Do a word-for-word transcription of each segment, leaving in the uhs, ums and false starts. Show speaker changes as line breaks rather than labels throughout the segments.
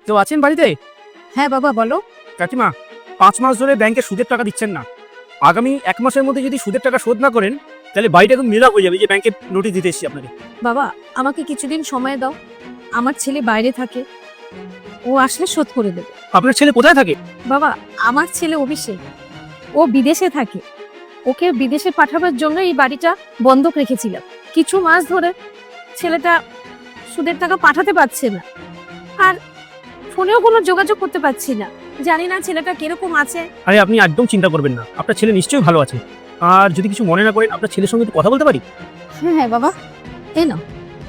কেউ আছেন বাড়িতে?
হ্যাঁ বাবা বলো।
কাকিমা, পাঁচ মাস ধরে ব্যাংকে সুদের টাকা দিচ্ছেন না। আগামী এক মাসের মধ্যে যদি সুদের টাকা শোধ না করেন তাহলে বাড়িটা একদম নীরব হয়ে যাবে, যে ব্যাংকে নোটিশ দিতে এসেছি আপনাকে।
বাবা আমাকে কিছুদিন সময় দাও, আমার ছেলে বাইরে থাকে, ও আসলে শোধ করে দেবে।
আপনার ছেলে কোথায় থাকে?
বাবা আমার ছেলে অভিষেক, ও বিদেশে থাকে, ওকে বিদেশে পাঠাবার জন্য এই বাড়িটা বন্ধক রেখেছিলাম। কিছু মাস ধরে ছেলেটা সুদের টাকা পাঠাতে পারছে না, আর ফোনেও কোনো যোগাযোগ করতে পারছি না। জানি না ছেলেটা কিরকম আছে।
আরে আপনি একদম চিন্তা করবেন না, আপনার ছেলে নিশ্চয়ই ভালো আছে। আর যদি কিছু মনে না করেন, আপনার ছেলের সঙ্গে একটু কথা বলতে পারি?
হ্যাঁ হ্যাঁ বাবা, এই নাও।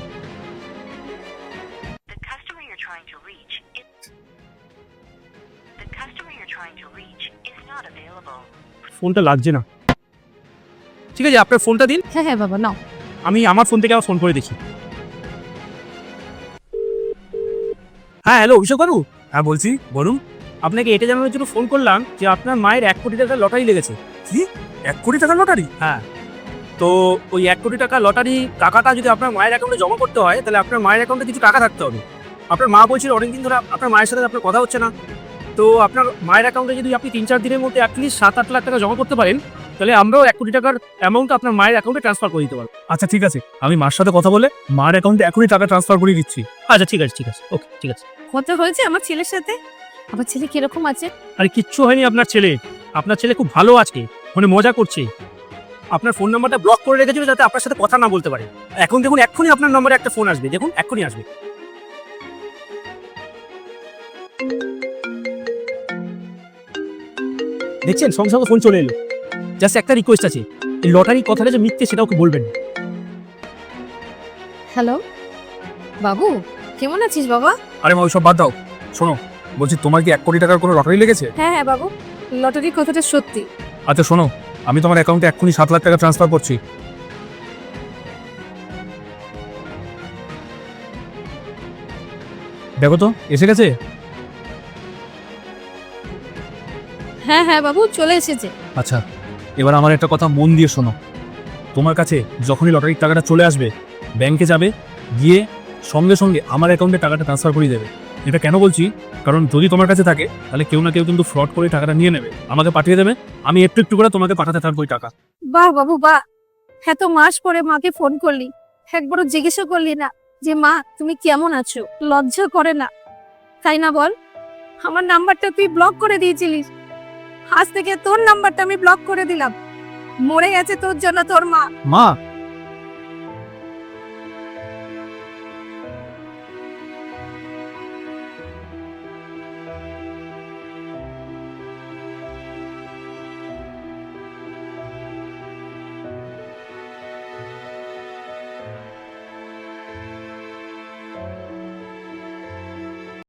The customer you're trying to reach is the customer you're trying to reach is not available.
ফোনটা লাগছে না। ঠিক আছে, আপনার ফোনটা দিন,
হ্যাঁ হ্যাঁ বাবা নাও।
আমি আমার ফোন থেকে আবার ফোন করে দেখি। হ্যাঁ হ্যালো অভিষেক বাবু।
হ্যাঁ বলছি, বলুন।
আপনাকে এটা জানানোর জন্য ফোন করলাম যে আপনার মায়ের এক কোটি টাকার লটারি লেগেছে।
কি, এক কোটি টাকার লটারি?
হ্যাঁ, তো ওই এক কোটি টাকা লটারি টাকাটা যদি আপনার মায়ের অ্যাকাউন্টে জমা করতে হয় তাহলে আপনার মায়ের অ্যাকাউন্টে কিছু টাকা থাকতে হবে। আপনার মা বলছিল অনেকদিন ধরে আপনার মায়ের সাথে আপনার কথা হচ্ছে না, তো আপনার মায়ের অ্যাকাউন্টে যদি আপনি তিন চার দিনের মধ্যে অ্যাটলিস্ট সাত আট লাখ টাকা জমা করতে পারেন তাহলে আমরাও এক কোটি টাকার অ্যামাউন্ট আপনার মায়ের অ্যাকাউন্টে ট্রান্সফার করে দিতে পারবো।
আচ্ছা ঠিক আছে, আমি মার সাথে কথা বলে মার অ্যাকাউন্টে এখনই টাকা ট্রান্সফার করে দিচ্ছি।
আচ্ছা ঠিক আছে ঠিক আছে ওকে ঠিক আছে।
কথা হয়েছে আমার ছেলের সাথে? আমার ছেলে কিরকম আছে?
আরে কিচ্ছু হয়নি আপনার ছেলে, আপনার ছেলে খুব ভালো আছে, মানে মজা করছে। আপনার ফোন নাম্বারটা ব্লক করে রেখেছিল যাতে আপনার সাথে কথা না বলতে পারে। এখন দেখুন এক্ষুনি আপনার নম্বরে একটা ফোন আসবে, দেখুন এক্ষুনি আসবে। দেখছেন সঙ্গে সঙ্গে ফোন চলে এলো। জাস্ট একটা রিকোয়েস্ট আছে, এই লটারির কথাটা যে মিথ্যে সেটা ওকে বলবেন।
হ্যালো বাবু, কেমন আছিস বাবা?
আরে মা ওইসব বাদ দাও, শোনো, বলছি তোমার কি এক কোটি টাকার কোনো লটারি লেগেছে?
হ্যাঁ হ্যাঁ বাবু, লটারির কথাটা সত্যি।
আচ্ছা শোনো, আমি তোমার অ্যাকাউন্টে এক্ষুনি সাত লাখ টাকা ট্রান্সফার করছি। দেখো তো এসে গেছে।
হ্যাঁ হ্যাঁ বাবু চলে এসেছে।
আচ্ছা, এবার আমার একটা কথা মন দিয়ে শোনো। তোমার কাছে যখনই লটারির টাকাটা চলে আসবে, ব্যাংকে যাবে, গিয়ে সঙ্গে সঙ্গে আমার অ্যাকাউন্টে টাকাটা ট্রান্সফার করে দেবে। এটা কেন বলছি, কারণ যদি তোমার কাছে থাকে তাহলে কেউ না কেউ কিন্তু ফ্রড করে টাকাটা নিয়ে নেবে, আমাকে পাঠিয়ে দেবে, আমি একটু একটু করে তোমাকে পাঠাতে থাকবো ওই টাকা।
বাহ বাবু বাহ, এত মাস পরে মাকে ফোন করলি, একবারও জিজ্ঞেসও করলি না যে মা তুমি কেমন আছো? লজ্জা করে না, তাই না বল? আমার নাম্বারটা তুই ব্লক করে দিয়েছিলিস, আজ থেকে তোর নাম্বারটা আমি ব্লক করে দিলাম। মরে গেছে তোর জন্য তোর মা।
মা